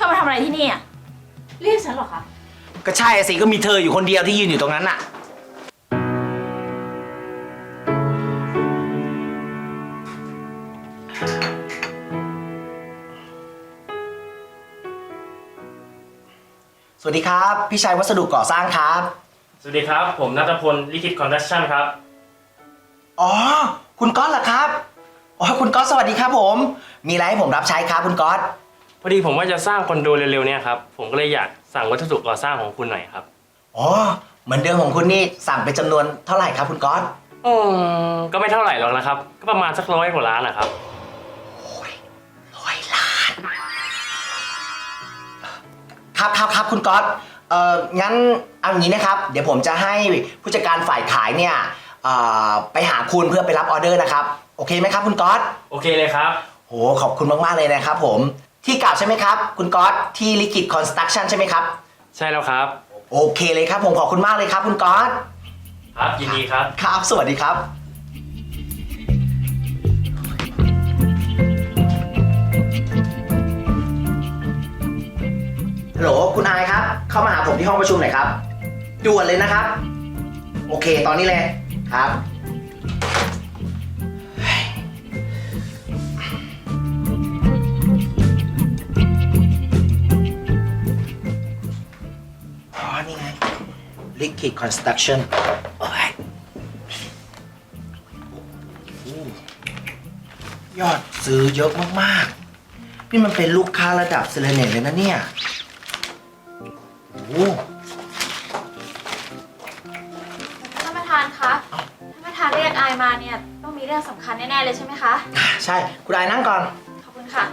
อมาทำอะไรที่นี่อ่ะเรียกฉันเหรอคะก็ใช่สิก็มีเธออยู่คนเดียวที่ยืนอยู่ตรงนั้นน่ะสวัสดีครับพี่ชัยวัสดุก่อสร้างครับสวัสดีครับผมณัฐพลลิขิตคอนสตรัคชั่นครับอ๋อคุณก๊อตเหรอครับอ๋อคุณก๊อตสวัสดีครับผมมีอะไรให้ผมรับใช้ครับคุณก๊อตพอดีผมว่าจะสร้างคอนโดเร็วๆเนี่ยครับผมก็เลยอยากสั่งวัสดุก่อสร้างของคุณหน่อยครับอ๋อเหมือนเดิมของคุณนี่สั่งเป็นจำนวนเท่าไหร่ครับคุณก๊อตก็ไม่เท่าไหร่หรอกนะครับก็ประมาณสัก100 กว่าล้านนะครับ 100 ล้านครับคุณก๊อตงั้นเอาอย่างนี้นะครับเดี๋ยวผมจะให้ผู้จัดการฝ่ายขายเนี่ยไปหาคุณเพื่อไปรับออเดอร์นะครับโอเคไหมครับคุณก๊อตโอเคเลยครับโหขอบคุณมากๆเลยนะครับผมที่เก่าใช่ไหมครับคุณก๊อตที่ลิขิตคอนสตรัคชั่นใช่ไหมครับใช่แล้วครับโอเคเลยครับผมขอบคุณมากเลยครับคุณก๊อตครับยินดีครับครับสวัสดีครับฮัลโหลคุณอายครับเข้ามาหาผมที่ห้องประชุมหน่อยครับด่วนเลยนะครับโอเคตอนนี้เลยครับนี่ไง Liquid Construction ยอดซื้อเยอะมากๆนี่มันเป็นลูกค้าระดับเซเลเนตเลยนะเนี่ยท่านประธานคะท่านประธานเรียกอายมาเนี่ยต้องมีเรื่องสำคัญแน่ๆเลยใช่ไหมคะใช่คุณอายนั่งก่อนขอบคุณค่ะ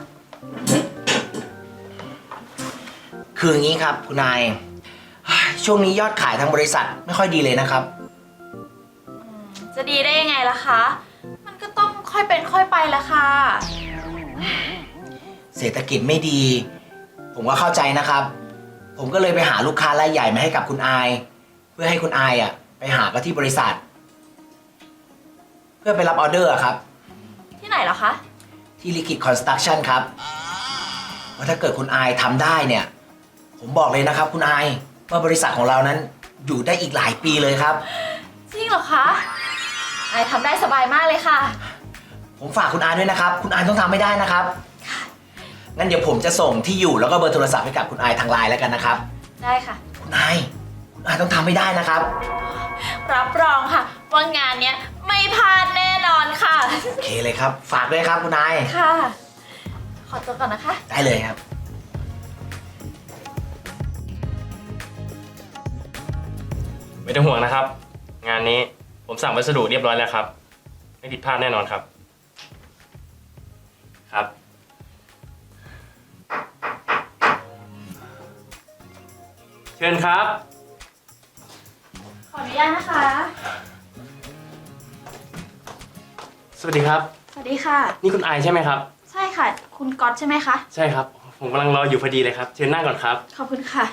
คืออย่างนี้ครับคุณนายช่วงนี้ยอดขายทางบริษัทไม่ค่อยดีเลยนะครับจะดีได้ยังไงล่ะคะมันก็ต้องค่อยเป็นค่อยไปละค่ะเศรษฐกิจไม่ดีผมก็เข้าใจนะครับผมก็เลยไปหาลูกค้ารายใหญ่มาให้กับคุณอายเพื่อให้คุณอายไปหาก็ที่บริษัทเพื่อไปรับออเดอร์ครับที่ไหนเหรอคะที่ลิขิตคอนสตรัคชั่นครับว่าถ้าเกิดคุณอายทำได้เนี่ยผมบอกเลยนะครับคุณอายว่าบริษัทของเรานั้นอยู่ได้อีกหลายปีเลยครับจริงเหรอคะอายทำได้สบายมากเลยค่ะผมฝากคุณอายด้วยนะครับคุณอายต้องทำไม่ได้นะครับงั้นเดี๋ยวผมจะส่งที่อยู่แล้วก็เบอร์โทรศัพท์ให้กับคุณอายทางไลน์แล้วกันนะครับได้ค่ะคุณอายต้องทำไม่ได้นะครับรับรองค่ะว่างานเนี้ยไม่พลาดแน่นอนค่ะโอเคเลยครับฝากด้วยครับคุณอายค่ะขอตัวก่อนนะคะได้เลยครับไม่ต้องห่วงนะครับงานนี้ผมสั่งวัสดุเรียบร้อยแล้วครับไม่ผิดพลาดแน่นอนครับครับเชิญครับขออนุญาตนะคะสวัสดีครับสวัสดีค่ะนี่คุณไอใช่ไหมครับใช่ค่ะคุณก๊อตใช่ไหมคะใช่ครับผมกำลังรออยู่พอดีเลยครับเชิญนั่งก่อนครับขอบคุณค่ะ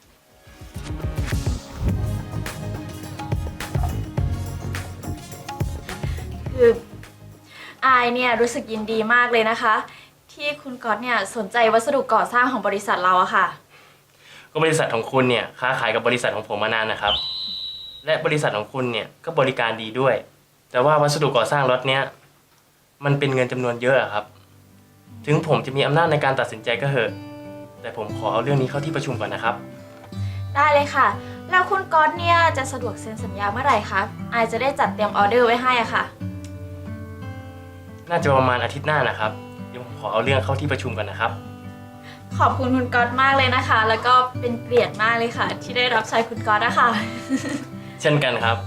คืออายเนี่ยรู้สึกยินดีมากเลยนะคะที่คุณก๊อตเนี่ยสนใจวัสดุก่อสร้างของบริษัทเราอะค่ะก็บริษัทของคุณเนี่ยค้าขายกับบริษัทของผมมานานนะครับและบริษัทของคุณเนี่ยก็บริการดีด้วยแต่ว่าวัสดุก่อสร้างล็อตเนี้ยมันเป็นเงินจำนวนเยอะครับถึงผมจะมีอำนาจในการตัดสินใจก็เหอะแต่ผมขอเอาเรื่องนี้เข้าที่ประชุมก่อนนะครับได้เลยค่ะแล้วคุณก๊อตเนี่ยจะสะดวกเซ็นสัญญาเมื่อไหร่คะอายจะได้จัดเตรียมออเดอร์ไว้ให้อะค่ะน่าจะประมาณอาทิตย์หน้านะครับเดี๋ยวผมขอเอาเรื่องเข้าที่ประชุมกันนะครับขอบคุณคุณก๊อตมากเลยนะคะแล้วก็เป็นเกียรติมากเลยค่ะที่ได้รับใช้คุณก๊อตนะคะเช่นกันครับ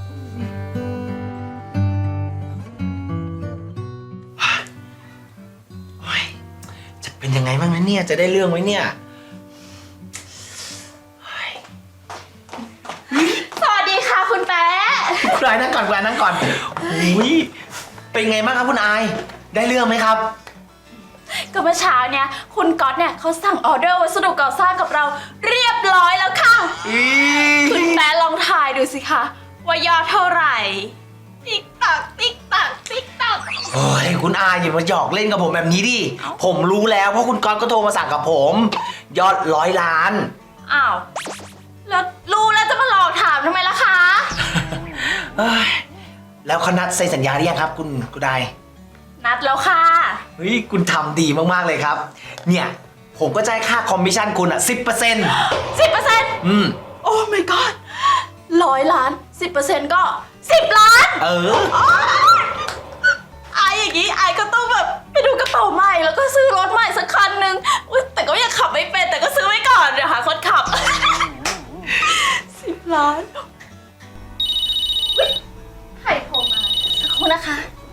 จะเป็นยังไงบ้างนะเนี่ยจะได้เรื่องไหมเนี่ยสวัสดีค่ะคุณแป๊ะคุณอายนั่งก่อนคุณอายนั่งก่อนอุ้ยเป็นไงบ้างครับคุณอายได้เรื่องไหมครับก็เมื่อเช้าเนี่ยคุณก๊อตเนี่ยเขาสั่งออเดอร์วัสดุก่อสร้างกับเราเรียบร้อยแล้วค่ะคุณแป๊ะลองทายดูสิคะว่ายอดเท่าไหร่ติ๊กตักติ๊กตักติ๊กตักโอ้ยคุณอายอย่ามาหยอกเล่นกับผมแบบนี้ดิ ผมรู้แล้วเพราะคุณก๊อตก็โทรมาสั่งกับผม ยอด100 ล้านอ้าวแล้วรู้แล้วจะมาหลอกถามทำไมล่ะคะเอ้ยแล้วเขานัดเซ็นสัญญาหรือยังครับ คุณนายนัดแล้วค่ะเฮ้ยคุณทำดีมากๆเลยครับ เนี่ยผมก็จะให้ค่าคอมมิชชั่นคุณอ่ะ 10% 10% อืมโอ้ my god 100 ล้าน 10% ก็10 ล้านเออไออย่างนี้ไอก็ต้องแบบไปดูกระเป๋าใหม่แล้วก็ซื้อรถใหม่สักคันหนึ่งอุ๊ยแต่ก็ยังขับไม่เป็นแต่ก็ซื้อไว้ก่อนเดี๋ยวหาคนขับ 10 ล้านอุ๊ยใครโทรมาสักครู่นะคะ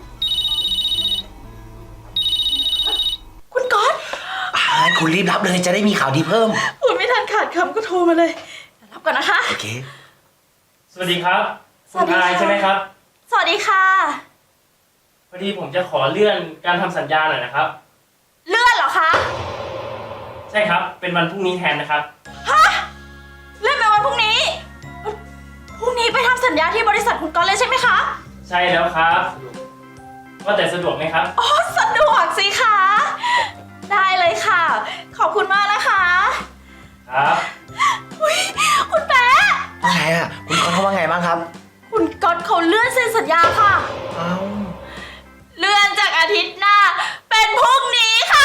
คุณก๊อตคุณรีบรับเลยจะได้มีข่าวดีเพิ่มพูดไม่ทันขาดคำก็โทรมาเลยเดี๋ยวรับก่อนนะคะโอเคสวัสดีครับสวัสดีคุณค่ะอายใช่ไหมครับสวัสดีค่ะพอดีผมจะขอเลื่อนการทำสัญญาหน่อยนะครับเลื่อนเหรอคะใช่ครับ เป็นวันพรุ่งนี้แทนนะครับฮะเลื่อนไปวันพรุ่งนี้พรุ่งนี้ไปทำสัญญาที่บริษัทคุณก๊อตเลยใช่ไหมคะใช่แล้วครับว่าแต่สะดวกไหมครับอ๋อสะดวกสิคะ ได้เลยค่ะ ขอบคุณมากนะคะครับอุ๊ยคุณแป๊ะว่าไงอ่ะ คุณก๊อตเขาว่าไงบ้างครับคุณก๊อตเขาเลื่อนเซ็นสัญญาค่ะเอ้าเลื่อนจากอาทิตย์หน้า เป็นพรุ่งนี้ค่ะ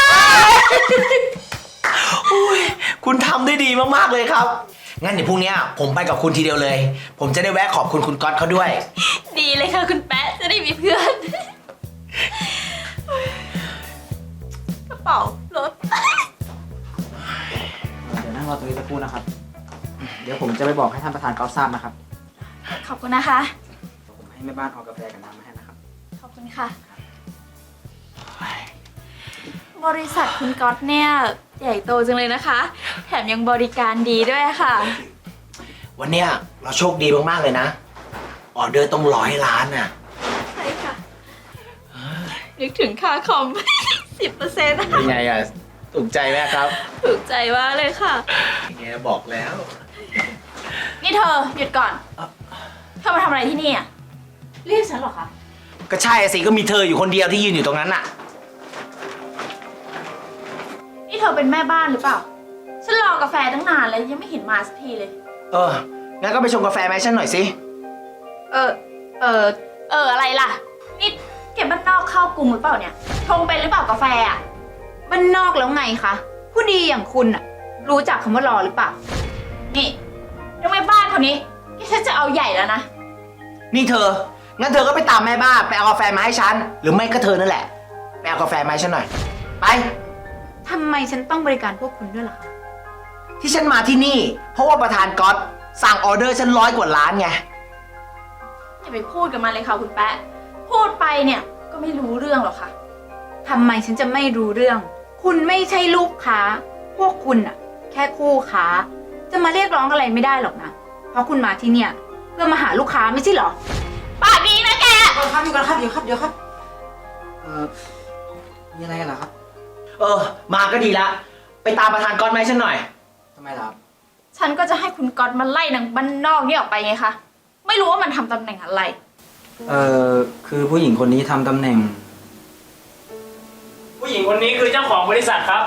อุ้ยคุณทำได้ดีมากๆเลยครับ งั้นเดี๋ยวพรุ่งนี้ผมไปกับคุณทีเดียวเลย ผมจะได้แวะขอบคุณคุณก๊อตเขาด้วยดีเลยค่ะคุณแป๊ะจะได้มีเพื่อน กระเป๋ารถเดี๋ยวนั่งรอตรงนี้สักครู่นะครับ เดี๋ยวผมจะไปบอกให้ท่านประธานก๊อฟทราบนะครับขอบคุณนะคะเดี๋ยวผมให้แม่บ้านเอากาแฟกับน้ำมาให้นะครับขอบคุณค่ะ บริษัทคุณก๊อตเนี่ยใหญ่โตจังเลยนะคะ แถมยังบริการดีด้วยค่ะวันเนี้ยเราโชคดีมากๆเลยนะ ออเดอร์ต้อง100 ล้านน่ะใช่ค่ะ นึกถึงค่าคอม 10% เป็นไงอ่ะ ถูกใจไหมครับถูกใจมากเลยค่ะแกบอกแล้วนี่เธอหยุดก่อน เธอมาทำอะไรที่นี่อ่ะเรียกฉันเหรอคะก็ใช่สิ ก็มีเธออยู่คนเดียวที่ยืนอยู่ตรงนั้นน่ะนี่เธอเป็นแม่บ้านหรือเปล่า ฉันรอกาแฟตั้งนานแล้วยังไม่เห็นมาสักทีเลยงั้นก็ไปชงกาแฟมาให้ฉันหน่อยสิอะไรล่ะ นี่เก็บบ้านนอกเข้ากรุงหรือเปล่าเนี่ย ชงเป็นหรือเปล่ากาแฟอ่ะบ้านนอกแล้วไงคะ ผู้ดีอย่างคุณอะรู้จักคำว่ารอหรือเปล่านี่ทำไมบ้านคนนี้ที่ฉันจะเอาใหญ่แล้วนะนี่เธอ งั้นเธอก็ไปตามแม่บ้านไปเอากาแฟมาให้ฉัน หรือไม่ก็เธอนั่นแหละ ไปเอากาแฟมาให้ฉันหน่อย ไปทำไมฉันต้องบริการพวกคุณด้วยล่ะคะที่ฉันมาที่นี่ เพราะว่าประธานก๊อตสั่งออเดอร์ฉัน100 กว่าล้านไงอย่าไปพูดกับมันเลยค่ะคุณแป๊ะ พูดไปเนี่ยก็ไม่รู้เรื่องหรอกค่ะทำไมฉันจะไม่รู้เรื่อง คุณไม่ใช่ลูกค้า พวกคุณอะแค่คู่ค้า จะมาเรียกร้องอะไรไม่ได้หรอกนะ เพราะคุณมาที่เนี่ย เพื่อมาหาลูกค้าไม่ใช่เหรอปากดีนะแกอยู่กันครับ เดี๋ยวครับ มีอะไรกันเหรอครับมาก็ดีละ ไปตามประธานก๊อตมาให้ฉันหน่อยทำไมล่ะครับฉันก็จะให้คุณก๊อตมาไล่นางบ้านนอกนี่ออกไปไงคะ ไม่รู้ว่ามันทำตำแหน่งอะไรคือผู้หญิงคนนี้ทำตำแหน่งผู้หญิงคนนี้คือเจ้าของบริษัทครับ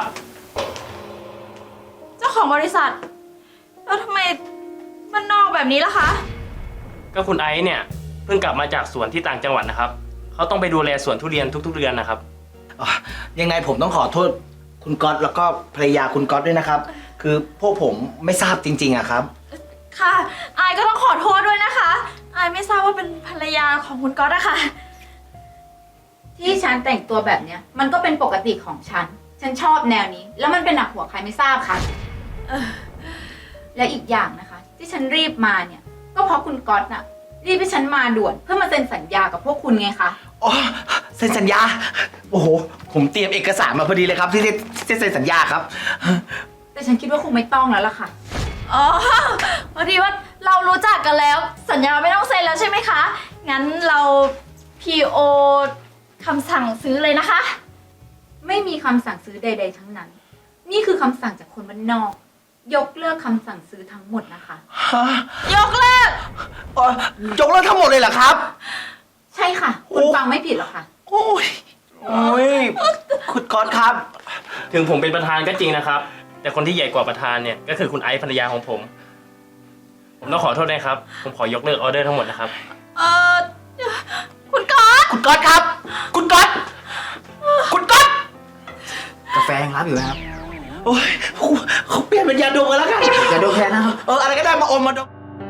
เจ้าของบริษัท แล้วทำไมบ้านนอกแบบนี้ล่ะคะก็คุณไอซ์เนี่ยเพิ่งกลับมาจากสวนที่ต่างจังหวัดนะครับ เขาต้องไปดูแลสวนทุเรียนทุกๆเดือนนะครับยังไงผมต้องขอโทษคุณก๊อตแล้วก็ภรรยาคุณก๊อตด้วยนะครับ คือพวกผมไม่ทราบจริงๆอะครับค่ะ อายก็ต้องขอโทษด้วยนะคะ อายไม่ทราบว่าเป็นภรรยาของคุณก๊อตอะค่ะที่ฉันแต่งตัวแบบเนี้ย มันก็เป็นปกติของฉัน ฉันชอบแนวนี้ แล้วมันเป็นหนักหัวใครไม่ทราบค่ะ และอีกอย่างนะคะ ที่ฉันรีบมาเนี่ย ก็เพราะคุณก๊อตน่ะ รีบให้ฉันมาด่วนเพื่อมาเซ็นสัญญากับพวกคุณไงคะอ๋อเซ็นสัญญา โอ้โห ผมเตรียมเอกสารมาพอดีเลยครับที่เซ็นสัญญาครับแต่ฉันคิดว่าคงไม่ต้องแล้วล่ะค่ะอ๋อพอดีว่าเรารู้จักกันแล้ว สัญญาไม่ต้องเซ็นแล้วใช่ไหมคะ งั้นเรา PO คำสั่งซื้อเลยนะคะไม่มีคำสั่งซื้อใด ๆ ทั้งนั้น นี่คือคำสั่งจากคนบ้านนอก ยกเลิกคำสั่งซื้อทั้งหมดนะคะฮะยกเลิกยกเลิกทั้งหมดเลยเหรอครับใช่ค่ะ คุณฟังไม่ผิดหรอกค่ะโอ้ยคุณก๊อตครับถึงผมเป็นประธานก็จริงนะครับ แต่คนที่ใหญ่กว่าประธานเนี่ยก็คือคุณไอซ์ภรรยาของผม ผมต้องขอโทษนะครับ ผมขอยกเลิกออเดอร์ทั้งหมดนะครับเออคุณก๊อตคุณก๊อตครับ คุณก๊อตคุณก๊อตกาแฟยังรับอยู่นะครับโอ้ยเขาเปลี่ยนเป็นยาดมกันแล้วกันอย่าดูแค่นะครับอะไรก็ได้มาอมมาดม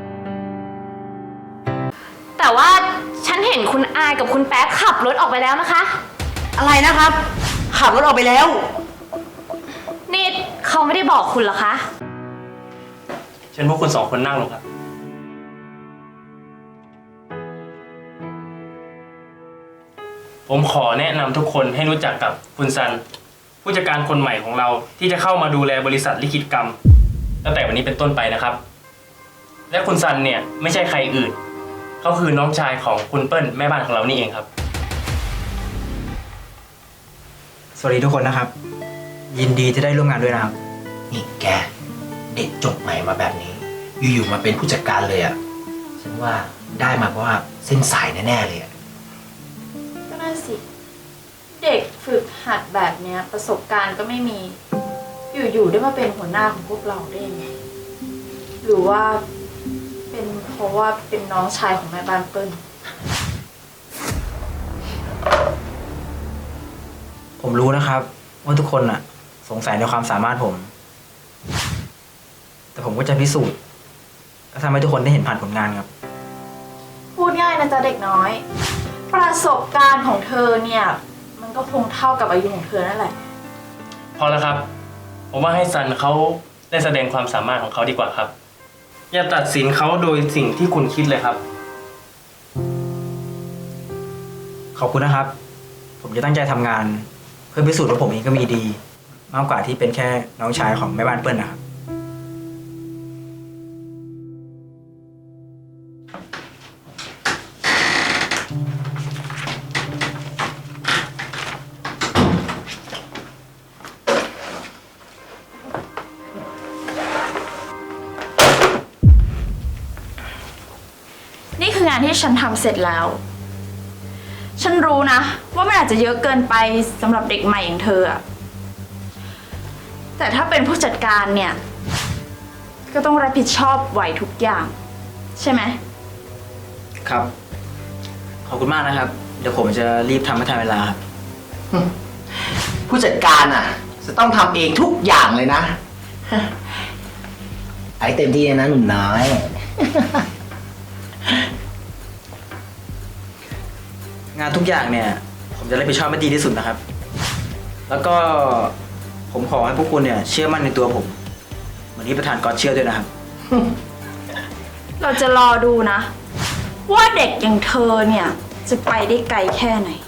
แต่ว่าฉันเห็นคุณอายกับคุณแป๊บขับรถออกไปแล้วนะคะอะไรนะครับ ขับรถออกไปแล้วนี่เขาไม่ได้บอกคุณเหรอคะเชิญพวกคุณ2 คนนั่งลงครับ ผมขอแนะนำทุกคนให้รู้จักกับคุณซัน ผู้จัดการคนใหม่ของเราที่จะเข้ามาดูแลบริษัทลิขิตกรรม ตั้งแต่วันนี้เป็นต้นไปนะครับ และคุณซันเนี่ยไม่ใช่ใครอื่น เขาคือน้องชายของคุณเปิ้ลแม่บ้านของเรานี่เองครับสวัสดีทุกคนนะครับ ยินดีที่ได้ร่วมงานด้วยนะครับนี่แก เด็กจบใหม่มาแบบนี้ อยู่ๆมาเป็นผู้จัดการเลยอ่ะ ฉันว่าได้มาเพราะว่าเส้นสายแน่ๆเลยอ่ะก็น่าสิ เด็กฝึกหัดแบบเนี้ยประสบการณ์ก็ไม่มี อยู่ๆได้มาเป็นหัวหน้าของพวกเราได้ยังไง หรือว่าเป็นเพราะว่าเป็นน้องชายของแม่บ้านเปิ้ลผมรู้นะครับว่าทุกคนอ่ะ สงสัยในความสามารถผม แต่ผมก็จะพิสูจน์และทำให้ทุกคนได้เห็นผ่านผลงานครับพูดง่ายนะจ๊ะเด็กน้อย ประสบการณ์ของเธอเนี่ย มันก็คงเท่ากับอายุของเธอนั่นแหละพอแล้วครับ ผมว่าให้ซันเขาได้แสดงความสามารถของเขาดีกว่าครับ อย่าตัดสินเขาโดยสิ่งที่คุณคิดเลยครับขอบคุณนะครับ ผมจะตั้งใจทำงาน เพื่อพิสูจน์ว่าผมเองก็มีดี มากกว่าที่เป็นแค่น้องชายของแม่บ้านเปิ้ลนะครับนี่คืองานที่ฉันทำเสร็จแล้ว ฉันรู้นะ ว่ามันอาจจะเยอะเกินไปสำหรับเด็กใหม่อย่างเธออะแต่ถ้าเป็นผู้จัดการเนี่ย ก็ต้องรับผิดชอบไหวทุกอย่าง ใช่ไหมครับ ขอบคุณมากนะครับ เดี๋ยวผมจะรีบทำให้ทันเวลาครับผู้จัดการอ่ะ จะต้องทำเองทุกอย่างเลยนะ ไอ้เต็มที่เลยนะหนุ่มน้อยงานทุกอย่างเนี่ย ผมจะรับผิดชอบให้ดีที่สุดนะครับ แล้วก็ผมขอให้พวกคุณเนี่ย เชื่อมั่นในตัวผม เหมือนที่ประธานก๊อตเชื่อด้วยนะครับเราจะรอดูนะ ว่าเด็กอย่างเธอเนี่ย จะไปได้ไกลแค่ไหน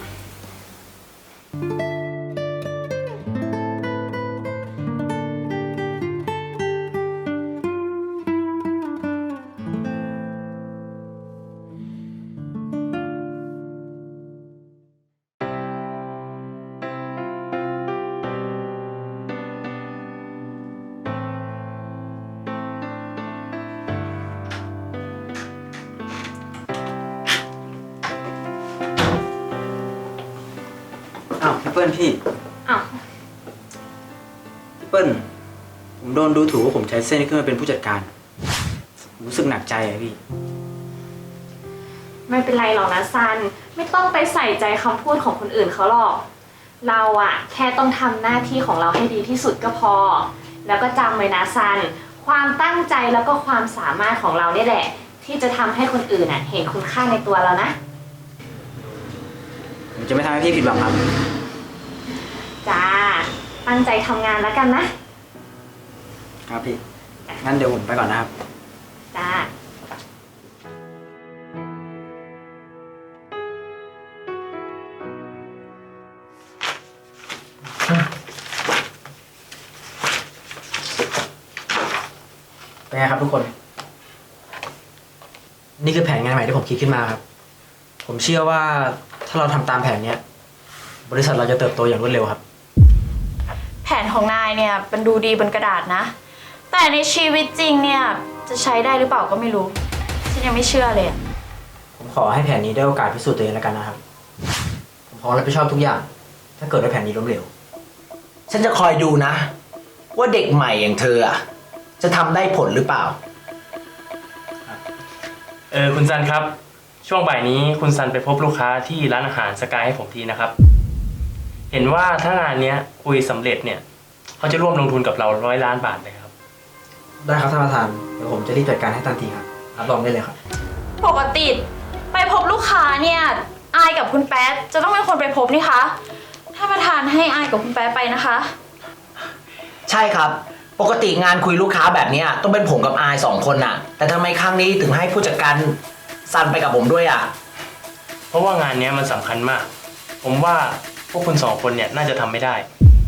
อ้าวพี่เปิ้ลพี่อ้าวพี่เปิ้ลผมโดนดูถูกว่าผมใช้เส้นขึ้นมาเป็นผู้จัดการผมรู้สึกหนักใจอะพี่ไม่เป็นไรหรอกนะซัน ไม่ต้องไปใส่ใจคำพูดของคนอื่นเขาหรอก เราอะแค่ต้องทำหน้าที่ของเราให้ดีที่สุดก็พอ แล้วก็จำไว้นะซัน ความตั้งใจแล้วก็ความสามารถของเราเนี่ยแหละ ที่จะทำให้คนอื่นอะเห็นคุณค่าในตัวเรานะผมจะไม่ทำให้พี่ผิดหวังครับจ้า ตั้งใจทำงานแล้วกันนะครับพี่ งั้นเดี๋ยวผมไปก่อนนะครับจ้าเป็นไงครับทุกคน นี่คือแผนงานใหม่ที่ผมคิดขึ้นมาครับ ผมเชื่อว่าถ้าเราทำตามแผนเนี้ย บริษัทเราจะเติบโตอย่างรวดเร็วครับแผนของนายเนี่ยมันดูดีบนกระดาษนะ แต่ในชีวิตจริงเนี่ยจะใช้ได้หรือเปล่าก็ไม่รู้ ฉันยังไม่เชื่อเลยอะผมขอให้แผนนี้ได้โอกาสพิสูจน์ตัวเองแล้วกันนะครับ ผมพร้อมรับผิดชอบทุกอย่าง ถ้าเกิดว่าแผนนี้ล้มเหลวฉันจะคอยดูนะ ว่าเด็กใหม่อย่างเธออะจะทำได้ผลหรือเปล่าคุณซันครับ ช่วงบ่ายนี้คุณซันไปพบลูกค้าที่ร้านอาหารสกายให้ผมทีนะครับ เห็นว่าถ้างานเนี้ยคุยสำเร็จเนี่ยเขาจะร่วมลงทุนกับเรา100 ล้านบาทเลยครับได้ครับท่านประธาน เดี๋ยวผมจะรีบจัดการให้ทันทีครับ รับรองได้เลยครับปกติไปพบลูกค้าเนี่ยอายกับคุณแป๊ดจะต้องเป็นคนไปพบนี่คะถ้านประธานให้อายกับคุณแป๊ดไปนะคะใช่ครับ ปกติงานคุยลูกค้าแบบเนี้ยต้องเป็นผมกับอาย2 คนน่ะ แต่ทำไมครั้งนี้ถึงให้ผู้จัดการซันไปกับผมด้วยอ่ะเพราะว่างานเนี้ยมันสำคัญมาก ผมว่าพวกคุณ2 คนเนี่ยน่าจะทำไม่ได้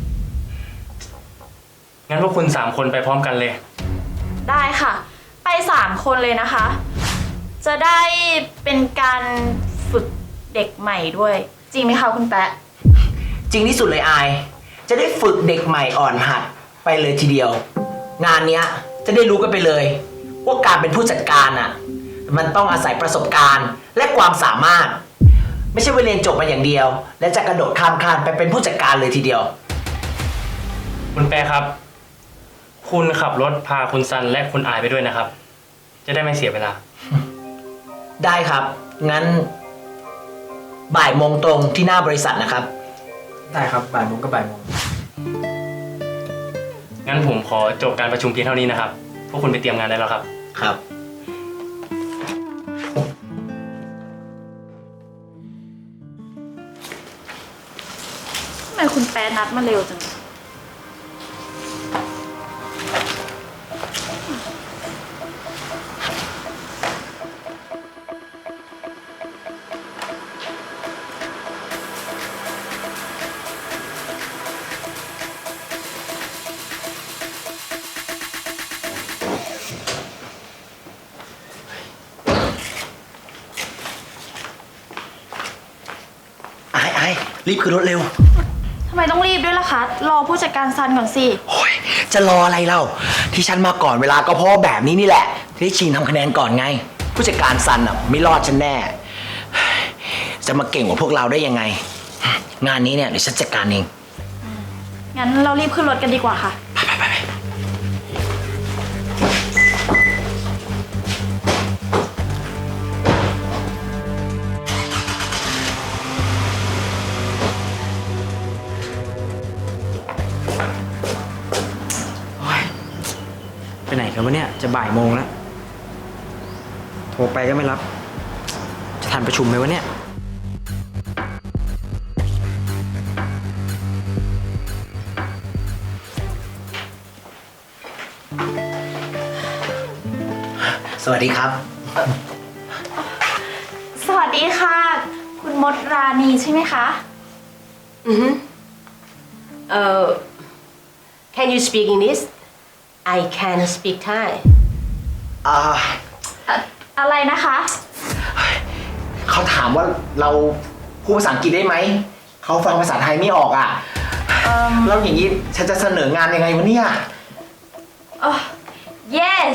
งั้นพวกคุณ3 คนไปพร้อมกันเลยได้ค่ะ ไป3 คนเลยนะคะ จะได้เป็นการฝึกเด็กใหม่ด้วย จริงไหมคะคุณแป๊ะจริงที่สุดเลยอาย จะได้ฝึกเด็กใหม่อ่อนหัดไปเลยทีเดียว งานเนี้ยจะได้รู้กันไปเลยว่าการเป็นผู้จัดการอ่ะ มันต้องอาศัยประสบการณ์และความสามารถ ไม่ใช่ว่าเรียนจบมาอย่างเดียว และจะกระโดดข้ามคานไปเป็นผู้จัดการเลยทีเดียวคุณแปรครับ คุณขับรถพาคุณซันและคุณอายไปด้วยนะครับ จะได้ไม่เสียเวลาได้ครับ งั้นบ่ายโมงตรงที่หน้าบริษัทนะครับได้ครับ บ่ายโมงก็บ่ายโมงงั้นผมขอจบการประชุมเพียงเท่านี้นะครับ พวกคุณไปเตรียมงานได้แล้วครับครับทำไมคุณแป๊ดนัดมาเร็วจังไอ้รีบขึ้นรถเร็วทำไมต้องรีบด้วยล่ะคะ รอผู้จัดการซันก่อนสิโอ้ยจะรออะไรเล่า ที่ฉันมาก่อนเวลาก็เพราะแบบนี้นี่แหละ ที่ได้ชิงทำคะแนนก่อนไง ผู้จัดการซันอ่ะไม่รอดฉันแน่ จะมาเก่งกว่าพวกเราได้ยังไง งานนี้เนี่ยเดี๋ยวฉันจัดการเองงั้นเรารีบขึ้นรถกันดีกว่าค่ะไปไหนกันวะเนี่ย จะบ่ายโมงแล้ว โทรไปก็ไม่รับ จะทันประชุมไหมวะเนี่ยสวัสดีครับสวัสดีค่ะ คุณมดราณีใช่ไหมคะ Mm-hmm. Can you speak English? I can speak Thai. อะไรนะคะเขาถามว่าเราพูดภาษาอังกฤษได้ไหม เขาฟังภาษาไทยไม่ออกอ่ะ แล้วอย่างนี้ฉันจะเสนองานยังไงวะเนี่ย yes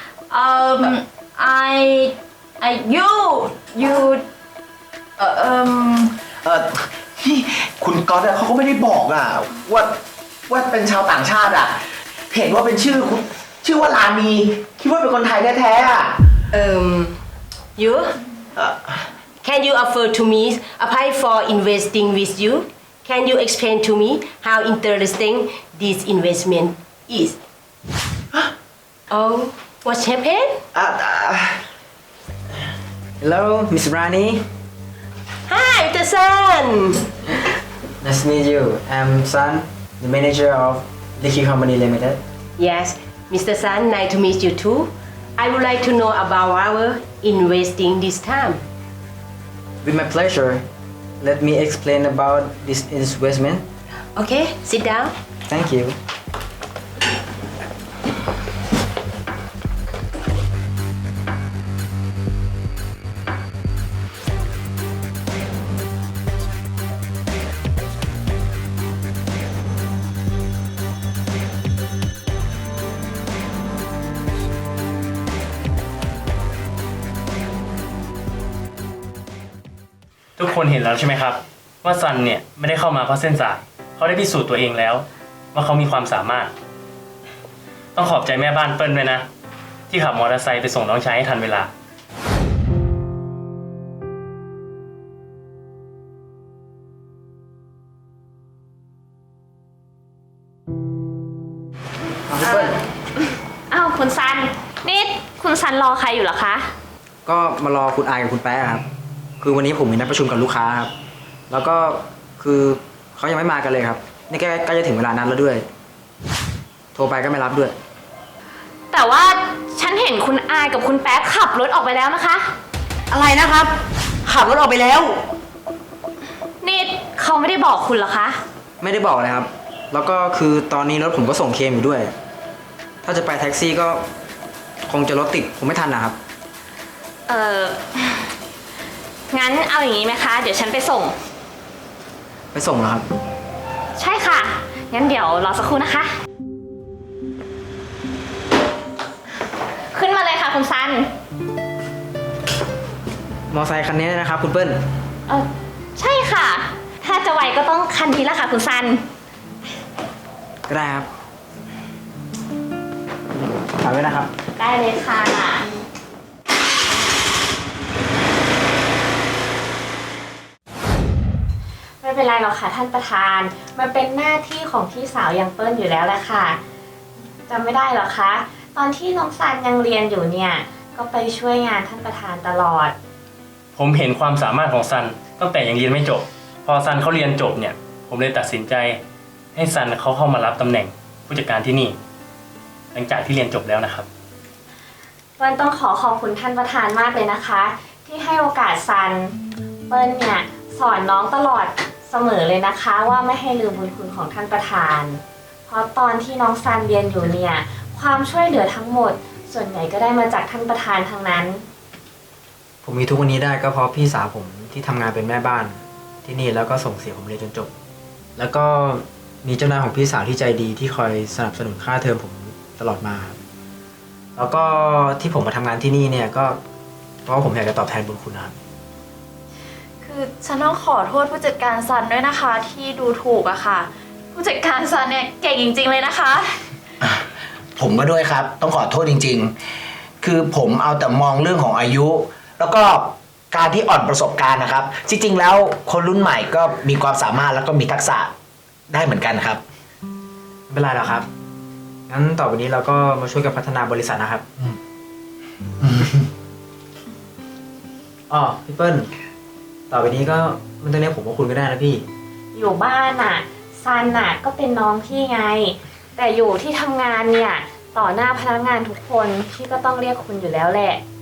you นี่คุณก๊อตอะเขาก็ไม่ได้บอกอะว่าเป็นชาวต่างชาติอะเห็นว่าเป็นชื่อว่าลานีคิดว่าเป็นคนไทยแท้ๆอะ You? Can you offer to me apply for investing with you? Can you explain to me how interesting this investment is? Oh, what happened? Hello Miss Rani Hi, Mr. Sun. Nice to meet you I'm Sun the manager of Licky Company Limited Yes, Mr. Sun, nice to meet you too. I would like to know about our investing this time. With my pleasure let me explain about this investment Okay, sit down. Thank you ทุกคนเห็นแล้วใช่ไหมครับ ว่าซันเนี่ยไม่ได้เข้ามาเพราะเส้นสายเขาได้พิสูจน์ตัวเองแล้ว ว่าเขามีความสามารถ ต้องขอบใจแม่บ้านเปิ้ลด้วยนะ ที่ขับมอเตอร์ไซค์ไปส่งน้องชายให้ทันเวลาพี่เปิ้ลอ้าวคุณซัน นี่คุณซันรอใครอยู่เหรอคะก็มารอคุณอายกับคุณแป๊ะครับ คือวันนี้ผมมีนัดประชุมกับลูกค้าครับ แล้วก็คือเขายังไม่มากันเลยครับ นี่ใกล้จะถึงเวลานัดแล้วด้วย โทรไปก็ไม่รับด้วยแต่ว่าฉันเห็นคุณอายกับคุณแป๊ะขับรถออกไปแล้วนะคะอะไรนะครับ ขับรถออกไปแล้วนี่เขาไม่ได้บอกคุณเหรอคะไม่ได้บอกเลยครับ แล้วก็คือตอนนี้รถผมก็ส่งเคมอยู่ด้วย ถ้าจะไปแท็กซี่ก็คงจะรถติดผมไม่ทันนะครับงั้นเอาอย่างนี้ไหมคะ เดี๋ยวฉันไปส่งไปส่งแล้วครับใช่ค่ะ งั้นเดี๋ยวรอสักครู่นะคะ ขึ้นมาเลยค่ะคุณซันมอไซค์คันนี้นะครับ คุณเปิ้ลใช่ค่ะ ถ้าจะไวก็ต้องคันนี้แหละค่ะคุณซันก็ได้ครับฝากไว้นะครับได้เลยค่ะ ไม่เป็นไรหรอกค่ะท่านประธาน มันเป็นหน้าที่ของพี่สาวยังเปิ้ลอยู่แล้วแหละค่ะจำไม่ได้หรอคะ ตอนที่น้องซันยังเรียนอยู่เนี่ย ก็ไปช่วยงานท่านประธานตลอดผมเห็นความสามารถของซันตั้งแต่ยังเรียนไม่จบ พอซันเขาเรียนจบเนี่ย ผมเลยตัดสินใจ ให้ซันเขาเข้ามารับตำแหน่งผู้จัดการที่นี่ หลังจากที่เรียนจบแล้วนะครับเปิ้ลต้องขอบคุณท่านประธานมากเลยนะคะ ที่ให้โอกาสซัน เปิ้ลเนี่ยสอนน้องตลอดเสมอเลยนะคะ ว่าไม่ให้ลืมบุญคุณของท่านประธาน เพราะตอนที่น้องซันเรียนอยู่เนี่ยความช่วยเหลือทั้งหมด ส่วนใหญ่ก็ได้มาจากท่านประธานทั้งนั้นผมมีทุกวันนี้ได้ก็เพราะพี่สาวผมที่ทำงานเป็นแม่บ้านที่นี่แล้วก็ส่งเสียผมเรียนจนจบ แล้วก็มีเจ้านายของพี่สาวที่ใจดีที่คอยสนับสนุนค่าเทอมผมตลอดมาครับแล้วก็ที่ผมมาทำงานที่นี่เนี่ยก็เพราะว่าผมอยากจะตอบแทนบุญคุณนะครับคือฉันต้องขอโทษผู้จัดการซันด้วยนะคะ ที่ดูถูกอะค่ะ ผู้จัดการซันเนี่ยเก่งจริงๆเลยนะคะผมก็ด้วยครับ ต้องขอโทษจริงๆ คือผมเอาแต่มองเรื่องของอายุ แล้วก็การที่อ่อนประสบการณ์นะครับ จริงๆ แล้วคนรุ่นใหม่ก็มีความสามารถแล้วก็มีทักษะได้เหมือนกันครับไม่เป็นไรหรอกครับ งั้นต่อไปนี้เราก็มาช่วยกันพัฒนาบริษัทนะครับอ๋อพี่เปิ้ล ต่อไปนี้ก็ไม่ต้องเรียกผมว่าคุณก็ได้นะพี่อยู่บ้านน่ะซันน่ะก็เป็นน้องพี่ไง แต่อยู่ที่ทำงานเนี่ยต่อหน้าพนักงานทุกคนพี่ก็ต้องเรียกคุณอยู่แล้วแหละ